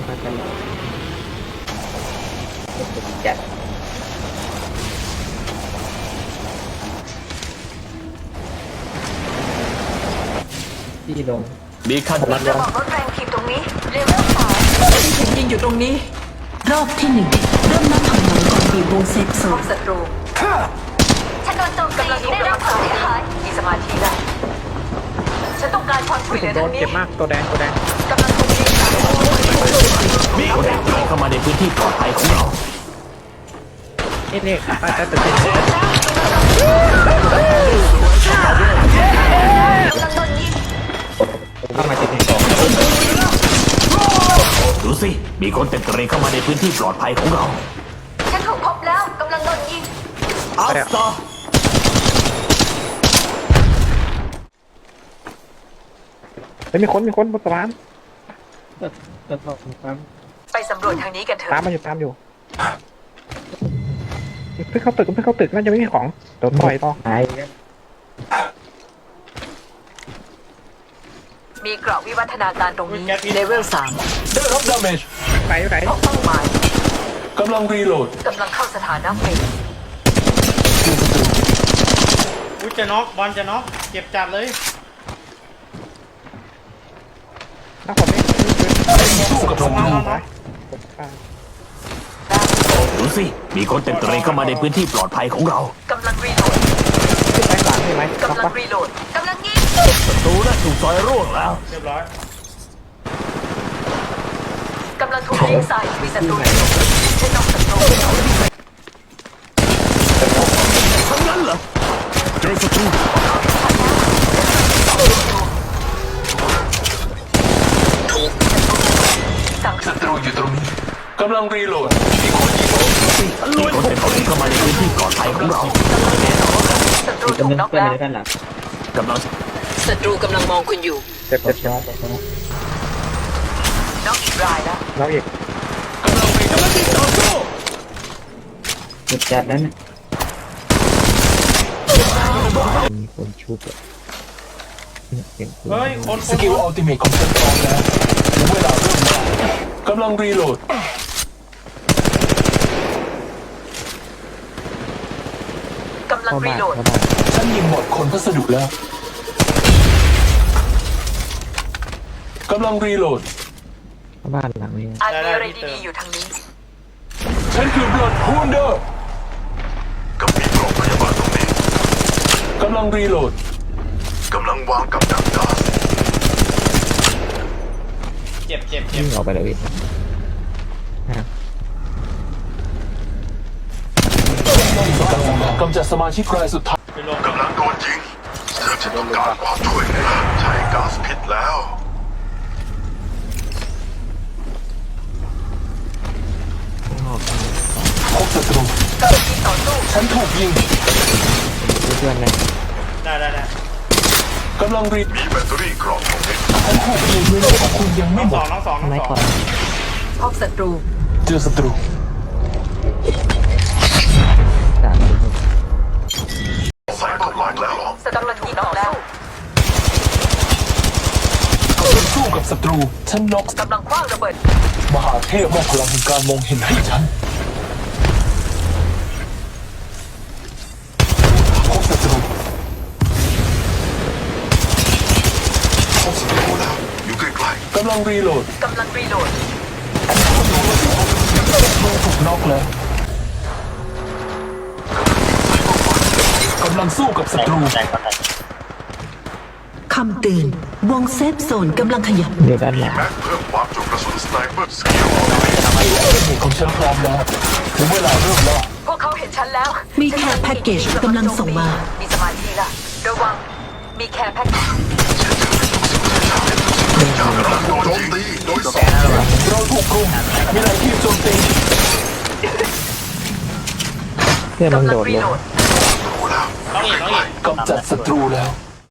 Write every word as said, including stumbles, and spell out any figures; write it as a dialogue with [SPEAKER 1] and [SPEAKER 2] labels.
[SPEAKER 1] มากันจัดที่ลง
[SPEAKER 2] มีขั้นมัน
[SPEAKER 3] ระบบรถแรงทีมตรงนี้เลเวลสามถูกยิงอยู่ตรงนี้
[SPEAKER 4] รอบที่หนึ่งเริ่มนับถอยหลังก่อนบีบวงเซฟโซ
[SPEAKER 3] พบ
[SPEAKER 4] น
[SPEAKER 3] ศัตรูฉันโดนโจมตีได้รับความเสียหายมีสมาธิแล้วฉันต้องการความช่วยเหลือ
[SPEAKER 1] โด
[SPEAKER 3] ทาน งนี้
[SPEAKER 1] เจ็บมากตัวแดงตัวแดง
[SPEAKER 3] กำลังถูกยิงจาก
[SPEAKER 2] มีคนแอบเข้ามาในพื้นที่ปลอดภัยของเรา
[SPEAKER 1] เอ๊ะเนี่ยอาจจะตื่น
[SPEAKER 3] กำลังโดนยิง
[SPEAKER 1] เข้ามาเจ็บสอง
[SPEAKER 2] ดูสิมีคนเต็มตระเข้ามาในพื้นที่ปลอดภัยของเรา
[SPEAKER 3] ฉันถูกพบแล้วกำลังโดนยิง
[SPEAKER 2] อัลสตา
[SPEAKER 1] เฮ้ยมีคนมีคนบนสะพานตาม
[SPEAKER 3] ไปสำรวจทางนี้กันเถ
[SPEAKER 1] ตาม
[SPEAKER 3] อะ
[SPEAKER 1] มาอยู่ตามอยู่เพิ่งเข้าตึกเพิ่งเข้าตึกน่าจะไม่มีของโดนต่อยต่อหาย
[SPEAKER 3] มีเกราะวิวัฒนาการตรงนี้เลเวลสาม
[SPEAKER 2] ได้รับดาเมจ
[SPEAKER 1] ไปไหน
[SPEAKER 3] พบเป้าหมาย
[SPEAKER 2] กำลังรีโหลด
[SPEAKER 3] กำลังเข้าสถานะเฟส
[SPEAKER 5] อุ้ยจะน็อกบอลจะน็อกเจ็บจัดเลย
[SPEAKER 1] น้าคนนี้
[SPEAKER 2] สู้กับศัตรู ดูสิมีคนเต็มตระเข้ามาในพื้นที่ปลอดภัยของเรา
[SPEAKER 3] กำลังรีโหลด
[SPEAKER 1] ขึ้นไปหลังใช่ไหม
[SPEAKER 3] กำลังรีโหลดกำลังยิง
[SPEAKER 2] ศัตรูน่ะถูกซอยร่วงแล้ว
[SPEAKER 5] เรียบร้อย
[SPEAKER 3] กำลังถูกยิงใส่มีศัตรูฉันต้องศัตรู
[SPEAKER 2] ทั้งนั้นเหรอเจอศัตรู
[SPEAKER 3] สั่ง
[SPEAKER 2] ศัตรูอยู่ตรงนี้กำลังรีโหลดมีคนยิงมีคนเต็มตระเข้ามาในพื้นที่ปลอดภัยของเรา
[SPEAKER 3] ศัตรูถูกน็อกแล้ว
[SPEAKER 1] ด้านหลัง
[SPEAKER 2] กำลัง
[SPEAKER 3] ศัตรูกำลังมองคุณอยู่
[SPEAKER 1] เจ็บเจ็บช็อต
[SPEAKER 3] น็อกอีกรายแล้ว
[SPEAKER 1] เราอีก
[SPEAKER 2] กำลังรีกำลังยิงต่อสู้
[SPEAKER 1] เจ็บจัดนั้นมีคนชุบอ่ะ
[SPEAKER 5] เฮ้ยคน
[SPEAKER 2] สกิลอัลติเมทของฉันพร้อมแล้วถึงเวลาเริ่มแล้วกำลังรีโหลด
[SPEAKER 3] กำลังรีโหลด
[SPEAKER 2] ฉันยิงหมดคนพัสดุแล้วกำลังรีโหลด
[SPEAKER 1] บ้านหลังนี้
[SPEAKER 3] อาจมีอะไรดีๆอยู่ทางนี้
[SPEAKER 2] ฉันคือบลอดฮูนเดอร์กับมีโรงพยาบาลตรงนี้กำลังรีโหลดกำลังวางกับดักก๊าซ
[SPEAKER 5] เจ็บเจ็บเจ็
[SPEAKER 1] วิ่
[SPEAKER 5] บ
[SPEAKER 1] งออกไปเลย
[SPEAKER 2] กำจัดสมาชิกรายสุดท้าย
[SPEAKER 5] ไปลง
[SPEAKER 6] กำลังโดนยิงฉันต้องการความช่วยเหลือใช้ก๊าซพิษแล้ว
[SPEAKER 2] พบศัตรู
[SPEAKER 3] กำลังยิงต่อสู้
[SPEAKER 2] ฉันถูกยิง
[SPEAKER 1] เพื่อนนะ
[SPEAKER 5] ได้ได้ได้
[SPEAKER 2] กำลังรี
[SPEAKER 6] มีแบตเตอรี่กรองของเด็ก
[SPEAKER 2] ฉันถูกยิงเวลาของคุณยัง
[SPEAKER 5] น้
[SPEAKER 2] ไม่
[SPEAKER 5] อง
[SPEAKER 2] หม
[SPEAKER 5] สอ
[SPEAKER 2] ด
[SPEAKER 5] งน้องสองน้อง
[SPEAKER 1] ไม่
[SPEAKER 5] ส
[SPEAKER 1] ก่
[SPEAKER 5] อ
[SPEAKER 1] อง น
[SPEAKER 3] พบศัตรู
[SPEAKER 2] เจอศัตรู
[SPEAKER 1] สาม
[SPEAKER 6] ใส่ทำลายแล้ว
[SPEAKER 3] กำลังยิงต่อสู้
[SPEAKER 2] กำลังสู้กับศัตรูฉันน็อก
[SPEAKER 3] กำลังคว้างระเบิด
[SPEAKER 2] มหาเทพมอบพลังแห่งการมองเห็นให้ฉันพบศัตรู
[SPEAKER 6] พบศัตรูแล้วอยู่ใกล้
[SPEAKER 2] กำลังรีโหลด
[SPEAKER 3] กำลังรีโหลด
[SPEAKER 2] ถูกน็อกแล้วกำลังสู้กับศัตรู
[SPEAKER 4] คำเตือนวงเซฟโซนกำลังขยับ
[SPEAKER 1] เดี๋ยวด้านหลัง
[SPEAKER 6] ๆแม็กเพิ่มความจุกระสุนสไนเปอร์สกิล
[SPEAKER 2] เหตุของฉันพร้อมแล้วถึงเวลาเริ่มแล้ว
[SPEAKER 3] พวกเขาเห็นฉันแล้ว
[SPEAKER 4] มีแคร์แพ็กเกจกำลังส่งมา
[SPEAKER 3] มีสมาธิละระวังมีแคร์แพ็กเกจ
[SPEAKER 6] กำลังโดนโจมตีโดยสอง
[SPEAKER 2] เราถูกกลุ่มมีหลายทีมโจมตี
[SPEAKER 1] เพื่อนมัน
[SPEAKER 3] กำลั
[SPEAKER 1] โด
[SPEAKER 3] ง
[SPEAKER 1] ด
[SPEAKER 3] รี
[SPEAKER 1] ลง
[SPEAKER 3] โหลด
[SPEAKER 6] รู้แล้ว
[SPEAKER 5] น้องอีกน้องอีก
[SPEAKER 2] กำจัดศัตรูแล้ว